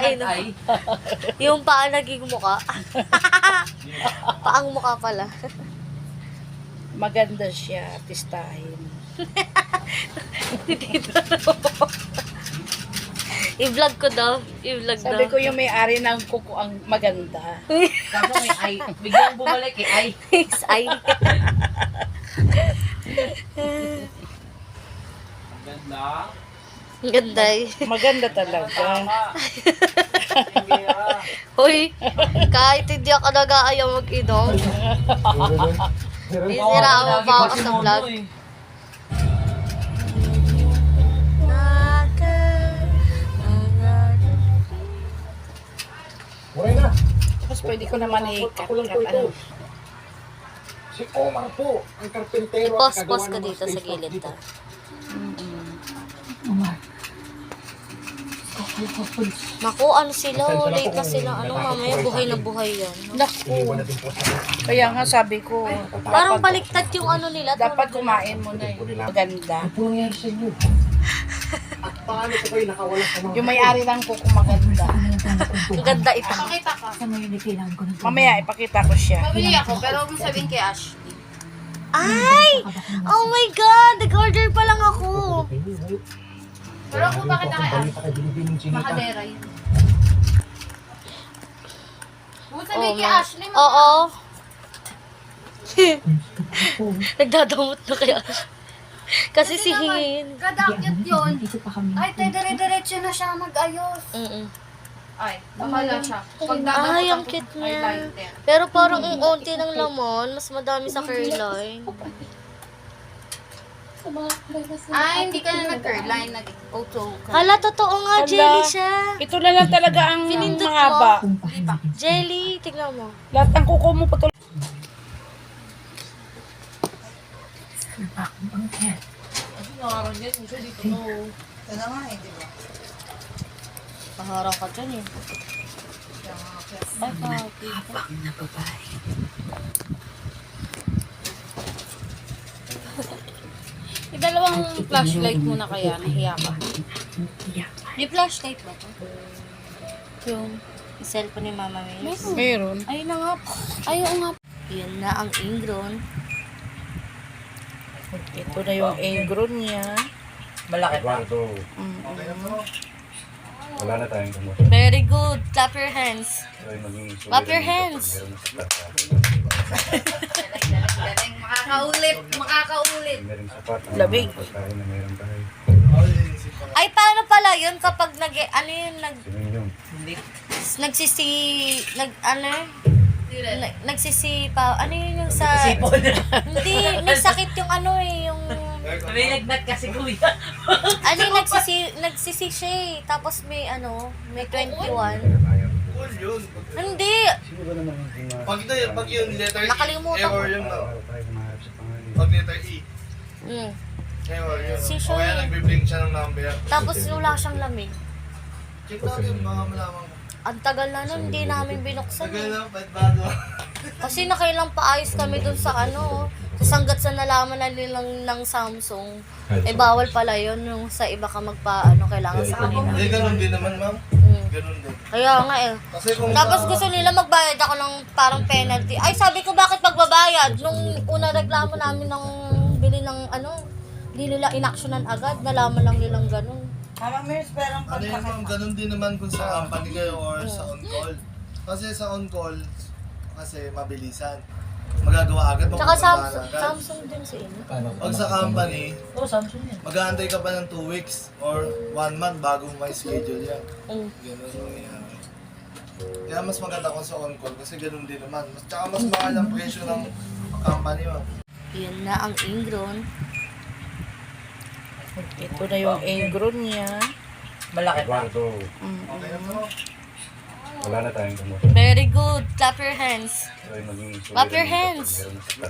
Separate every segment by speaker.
Speaker 1: Ay, no. Yung paa naging muka. Paang muka pala.
Speaker 2: Maganda siya, artistahin.
Speaker 1: I-vlog ko daw. I-vlog daw.
Speaker 2: Sabi ko yung may-ari ng kuko ang maganda.
Speaker 3: Kaso may ay. Biglang bumalik eh. Ay.
Speaker 1: Ay.
Speaker 3: Ganda.
Speaker 1: Ang ganda eh.
Speaker 2: Maganda talaga.
Speaker 1: Hoy, kahit hindi ako nag-aayaw mag-inom, isiraan mo pa ako sa vlog.
Speaker 4: Muray na.
Speaker 2: Tapos pwede ko naman
Speaker 4: Ako lang po ito. Si Omar po, ang karpentero at
Speaker 1: Pos-pos
Speaker 4: kagawa
Speaker 1: ka
Speaker 4: ng mga
Speaker 1: dito sa
Speaker 4: space
Speaker 1: gilid
Speaker 4: dito.
Speaker 1: ta. Naku, ano sila, oh, late na sila. Ano, mamaya buhay na buhay yan.
Speaker 2: Naku.
Speaker 4: Iniwan na din po sa
Speaker 2: Kaya nga sabi ko,
Speaker 1: Parang baliktad yung ano nila.
Speaker 2: dapat kumain mo na eh. Maganda.
Speaker 4: Ano po nangyari sa inyo? At paano po kayo nakawala sa mga...
Speaker 2: Yung may-ari ng kuko maganda.
Speaker 1: Ang ganda ito.
Speaker 5: Pakita ka.
Speaker 2: Mamaya ipakita ko siya.
Speaker 5: Pabili ako, pero huwag mo sabihin kay Ashley.
Speaker 1: Ay! Oh my God! Nag-order pa lang ako.
Speaker 5: Pero kung bakit na kay Ashley, makadera yun. Huwag mo sabihin kay Ashley,
Speaker 1: Oo. Nagdadamot na kaya. Kasi si Hingin.
Speaker 5: Kadakyat yun. Ay, tayo dire-diretso na siya mag-ayos. Ay, bahala siya. Pag
Speaker 1: Ay, ang cute niya. Pero parang ang onti ng laman, mas madami sa curline.
Speaker 5: Ay, hindi ka na nag-curl line, nag-auto ka.
Speaker 1: Hala, totoo nga,
Speaker 2: Hala.
Speaker 1: jelly siya.
Speaker 2: Ito na lang talaga ang
Speaker 1: Pinindot mo.
Speaker 2: mahaba.
Speaker 1: Jelly, tignan mo.
Speaker 2: Lahat ng kuko mo patuloy.
Speaker 1: Paharang ka dyan eh. Ay, kaki.
Speaker 5: Dalawang flashlight muna kaya, nahiya ka.
Speaker 1: May flashlight ba ito? Yung cellphone ni Mama May.
Speaker 2: Meron.
Speaker 1: Ayun na nga.
Speaker 5: Ayaw nga.
Speaker 1: Yan na ang ingron.
Speaker 2: Ito na yung ingron niya.
Speaker 3: Malaki pa.
Speaker 4: Eduardo, wala na tayong gamot.
Speaker 1: Very good. Clap your hands.
Speaker 4: Ay, maging
Speaker 1: Clap your hands.
Speaker 5: Galing, makakaulit, makakaulit.
Speaker 4: Meron sapat.
Speaker 2: Labig.
Speaker 4: Pagkain na meron tayo.
Speaker 1: Ay, paano pala yun kapag ano yun,
Speaker 4: Sino yun?
Speaker 3: Hindi.
Speaker 1: nagsisi, nagsisipa, ano yun yung sa,
Speaker 3: Sipon.
Speaker 1: hindi, may sakit yung ano eh, yung,
Speaker 3: May nagnat kasi kuya.
Speaker 1: ano yung nagsisi siya eh, tapos may may 21.
Speaker 6: Cool yun.
Speaker 1: Hindi,
Speaker 4: Sino ba naman yung
Speaker 6: Pag yung letter E,
Speaker 1: Nakalimutan ko.
Speaker 6: error yun daw.
Speaker 4: Para tayo kumaharap sa pangalan.
Speaker 6: Pag letter E,
Speaker 1: mm.
Speaker 6: error yun.
Speaker 1: Si
Speaker 6: O
Speaker 1: Sean.
Speaker 6: kaya nagbe-blink siya ng number.
Speaker 1: Tapos wala siyang lamig.
Speaker 6: Check natin, mga malaman ko.
Speaker 1: Ang tagal na nun, hindi namin binuksan
Speaker 6: Tagal
Speaker 1: eh.
Speaker 6: na, ba't bago?
Speaker 1: Kasi nakailang paayos kami dun sa Tapos hanggat sa nalaman na nilang ng Samsung, eh bawal pala yun yung sa iba ka kailangan sa kanila.
Speaker 6: Hindi, ganun din naman, ma'am.
Speaker 1: Mm.
Speaker 6: Ganun din.
Speaker 1: Kaya nga eh.
Speaker 6: Kasi kung
Speaker 1: Tapos gusto nila magbayad ako ng parang penalty. Ay, sabi ko bakit magbabayad? Nung una reklamo namin ng bili ng hindi nila inaksyonan agad. Nalaman lang nilang ganun.
Speaker 6: ano yun, ma'am, ganun din naman kung sa company kayo or sa on-call. Kasi sa on-call, kasi mabilisan. Magagawa agad,
Speaker 1: Tsaka
Speaker 6: mapupuntahan agad.
Speaker 1: Samsung din si Ina.
Speaker 6: Pag sa company,
Speaker 3: Oo, Samsung yan.
Speaker 6: mag-aantay ka pa ng 2 weeks or 1 month bago may schedule yan.
Speaker 1: Mm.
Speaker 6: Ganun yung nangyayari. Kaya mas maganda kung sa on-call kasi ganun din naman. Tsaka mas mahal ang presyo ng company mo.
Speaker 1: Yan na ang ingron.
Speaker 2: Ito na yung ingron niya.
Speaker 3: Malaki pa.
Speaker 4: Eduardo,
Speaker 6: Okay na to?
Speaker 4: wala na tayong gamot.
Speaker 1: Very good. Clap your hands.
Speaker 4: Ay, maging
Speaker 1: Clap your hands.
Speaker 4: Meron sapat.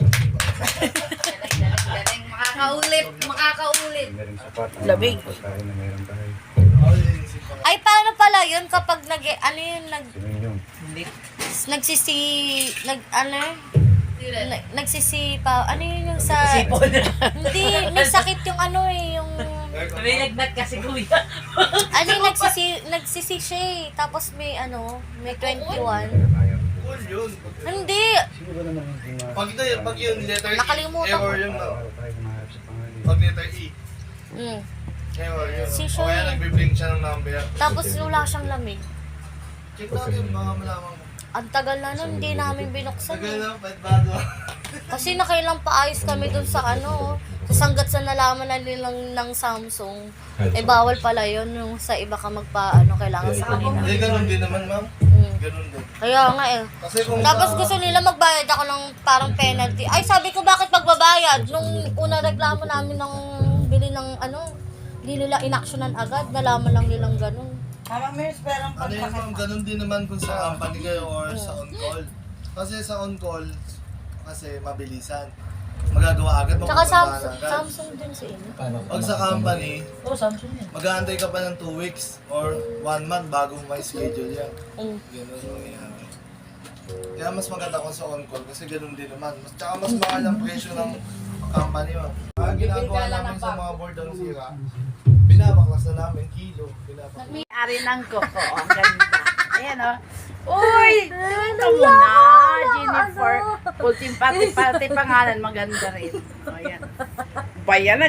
Speaker 5: Galing, makakaulit, makakaulit.
Speaker 4: Meron sapat.
Speaker 2: Labig.
Speaker 4: Pagkain na meron tayo.
Speaker 1: Ay, paano pala yun kapag
Speaker 4: Sino yun?
Speaker 3: Hindi.
Speaker 1: nagsisi, nagsisipa. Ano yun yung sa...
Speaker 3: Sipon.
Speaker 1: Hindi, may sakit yung ano eh, yung...
Speaker 3: May lagnat kasi kuya.
Speaker 1: Ano yung nagsisi siya eh. Tapos may ano, may 21.
Speaker 6: Cool yun.
Speaker 1: Hindi!
Speaker 6: Pag yun, letter E,
Speaker 1: Nakalimutan
Speaker 6: error
Speaker 1: ko.
Speaker 6: yun na. Pag letter E,
Speaker 1: Mm.
Speaker 6: error yun.
Speaker 1: Si
Speaker 6: O
Speaker 1: Sean
Speaker 6: kaya
Speaker 1: eh.
Speaker 6: nagbe-blink siya ng number.
Speaker 1: Tapos wala siyang lamig.
Speaker 6: Check natin, baka malaman mo.
Speaker 1: Ang tagal na nun, hindi namin binuksan
Speaker 6: Tagal
Speaker 1: eh.
Speaker 6: na, pwede bago.
Speaker 1: Kasi nakailang paayos kami dun sa ano. Tapos hanggat sa nalaman na nilang ng Samsung, eh bawal pala yun. Yung sa iba ka magpa, ano, kailangan sa kanila.
Speaker 6: Eh, ganun din naman, ma'am.
Speaker 1: Mm.
Speaker 6: Ganun din.
Speaker 1: Kaya nga eh.
Speaker 6: Kasi kung
Speaker 1: Tapos gusto nila magbayad ako ng parang penalty. Ay, sabi ko bakit magbabayad? Nung una reklamo namin ng bili ng ano, hindi nila inaksyonan agad. Nalaman lang nilang ganun.
Speaker 6: ano yun, ma'am, ganun din naman kung sa company kayo or sa on-call. Kasi sa on-call, kasi mabilisan. Magagawa agad,
Speaker 1: Tsaka
Speaker 6: mapupuntahan
Speaker 1: Samsung,
Speaker 6: agad.
Speaker 1: Samsung din sa inyo.
Speaker 6: Pag sa company,
Speaker 3: Oh, Samsung yan.
Speaker 6: mag-aantay ka pa ng 2 weeks or 1 month bago may schedule yan.
Speaker 1: Mm.
Speaker 6: Ganun ang nangyayari. Kaya mas maganda kung sa on-call kasi ganun din naman. Tsaka mas mahal ang presyo ng company mo. Ang ginagawa namin sa mga board ng sira, binabaklas na namin kilo. Binabaklas.
Speaker 2: Ari ng koko. Ang ganda. Ayan o. Uy! Ito mo na, Jennifer. Ultim pati pangalan, maganda rin. O, ayan. Bayan na,